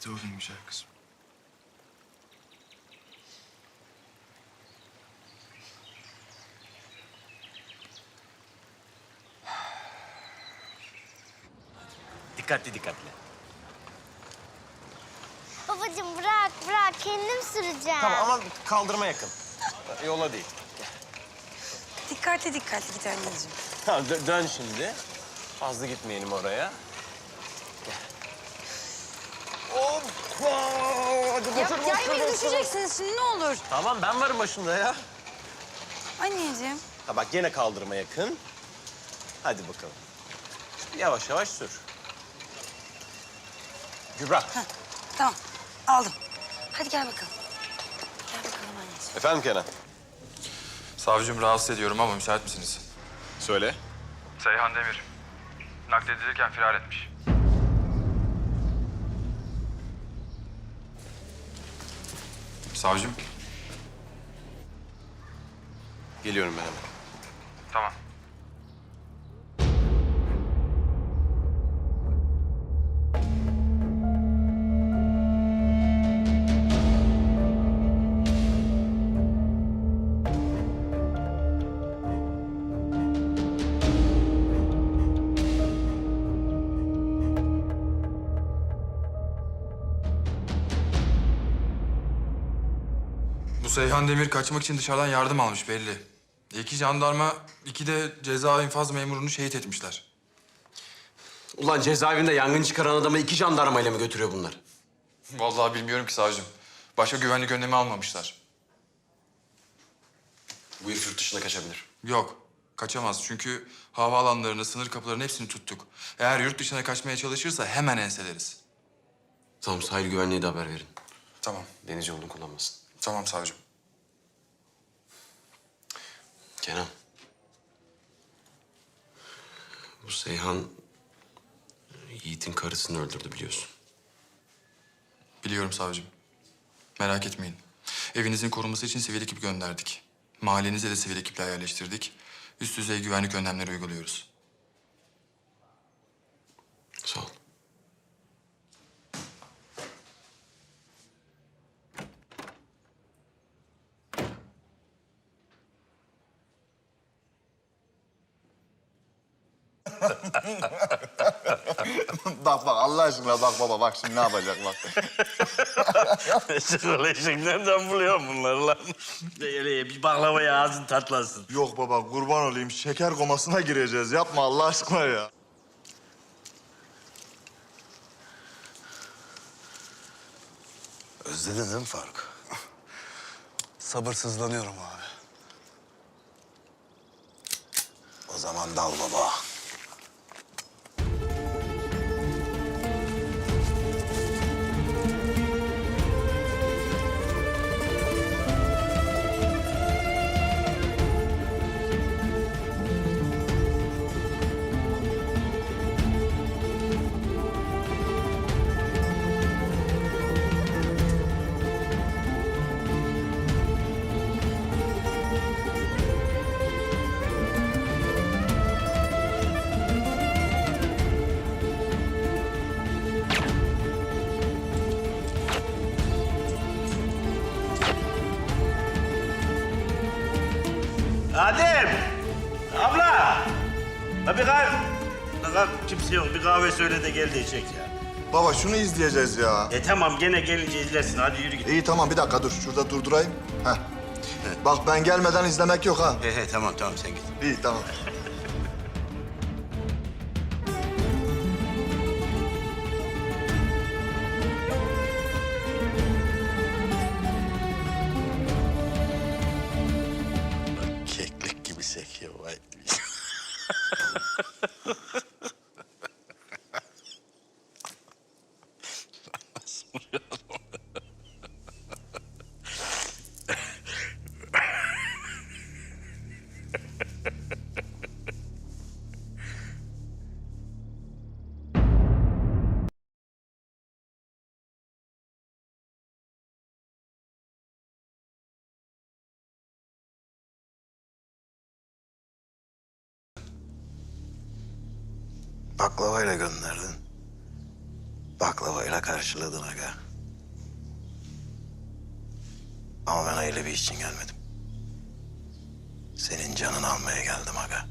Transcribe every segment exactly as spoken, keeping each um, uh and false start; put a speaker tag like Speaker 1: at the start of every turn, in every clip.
Speaker 1: Hadi olayım güzel kızım.
Speaker 2: Dikkatli dikkatli.
Speaker 3: Babacığım bırak bırak kendim süreceğim.
Speaker 2: Tamam ama kaldırıma yakın. Yola değil.
Speaker 4: Dikkatli dikkatli git anneciğim.
Speaker 2: Tamam dö- dön şimdi. Fazla gitmeyelim oraya. Gel. Hoppa! Hadi
Speaker 4: Ya,
Speaker 2: batır,
Speaker 4: ya
Speaker 2: batır,
Speaker 4: yemin
Speaker 2: batır.
Speaker 4: düşeceksiniz şimdi ne olur.
Speaker 2: Tamam ben varım başında ya.
Speaker 4: Anneciğim.
Speaker 2: Ha bak gene kaldırıma yakın. Hadi bakalım. Yavaş yavaş sür. Kübra.
Speaker 4: Heh, tamam aldım. Hadi gel bakalım. Gel bakalım anneciğim.
Speaker 2: Efendim Kenan?
Speaker 5: Savcım rahatsız ediyorum ama müsait misiniz?
Speaker 2: Söyle.
Speaker 5: Seyhan Demir. Nakledilirken firar etmiş. Savcım.
Speaker 2: Geliyorum ben hemen.
Speaker 5: Tamam. Bu Seyhan Demir kaçmak için dışarıdan yardım almış belli. İki jandarma, iki de ceza infaz memurunu şehit etmişler.
Speaker 6: Ulan cezaevinde yangın çıkaran adamı iki jandarmayla mı götürüyor bunlar?
Speaker 5: Vallahi bilmiyorum ki savcım. Başka güvenlik önlemi almamışlar.
Speaker 6: Bu herif yurt dışına kaçabilir.
Speaker 5: Yok, kaçamaz. Çünkü havaalanlarını, sınır kapılarının hepsini tuttuk. Eğer yurt dışına kaçmaya çalışırsa hemen enseleriz.
Speaker 6: Tamam, sahil güvenliğe de haber verin.
Speaker 5: Tamam,
Speaker 6: Deniz yolunu kullanmasın.
Speaker 5: tamam savcım.
Speaker 6: Kenan. Bu Seyhan Yiğit'in karısını öldürdü biliyorsun.
Speaker 5: Biliyorum savcım. Merak etmeyin. Evinizin korunması için sivil ekip gönderdik. Mahallenize de sivil ekipler yerleştirdik. Üst düzey güvenlik önlemleri uyguluyoruz.
Speaker 6: Sağ ol.
Speaker 1: Bak bak Allah aşkına bak baba bak şimdi ne yapacak bak.
Speaker 7: Şıkırlaşık nereden buluyorsun bunları lan? Öyle bir baklavaya ağzın tatlasın.
Speaker 1: Yok baba kurban olayım şeker komasına gireceğiz yapma Allah aşkına ya.
Speaker 8: Özledin değil mi Faruk? Sabırsızlanıyorum abi. O zaman dal baba.
Speaker 7: Adem! Abla! Ha bir kahve... Lan kimse yok. Bir kahve söyle de gel diyecek ya.
Speaker 1: Baba şunu izleyeceğiz ya.
Speaker 7: E tamam gene gelince izlersin. Hadi yürü git.
Speaker 1: İyi tamam bir dakika dur şurada durdurayım. Heh. Bak ben gelmeden izlemek yok ha.
Speaker 8: He he tamam tamam sen git.
Speaker 1: İyi tamam.
Speaker 8: Keklik gibi sekiyor vay. Baklavayla gönderdin. Baklavayla karşıladın aga. Ama ben öyle bir iş için gelmedim. Senin canını almaya geldim aga.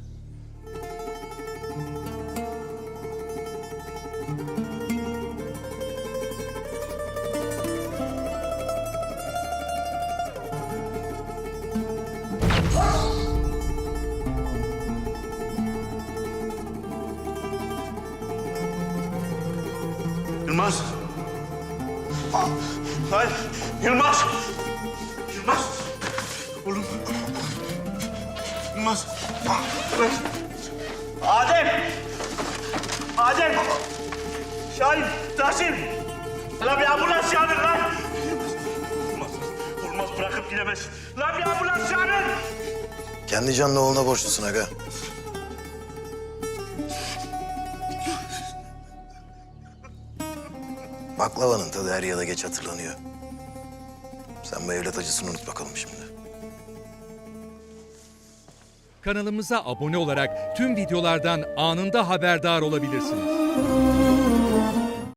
Speaker 7: Yılmaz. Hayır. Yılmaz. Yılmaz. Oğlum. Yılmaz. Adem. Adem. Şahin. Tahsin. La bir ambulans çağırın lan. Olmaz. Olmaz bırakıp gidemez. La bir ambulans çağırın.
Speaker 8: Kendi canlı oğluna borçlusun aga. Baklavanın tadı er ya da geç hatırlanıyor. Sen bu evlat acısını unut bakalım şimdi.
Speaker 9: Kanalımıza abone olarak tüm videolardan anında haberdar olabilirsiniz.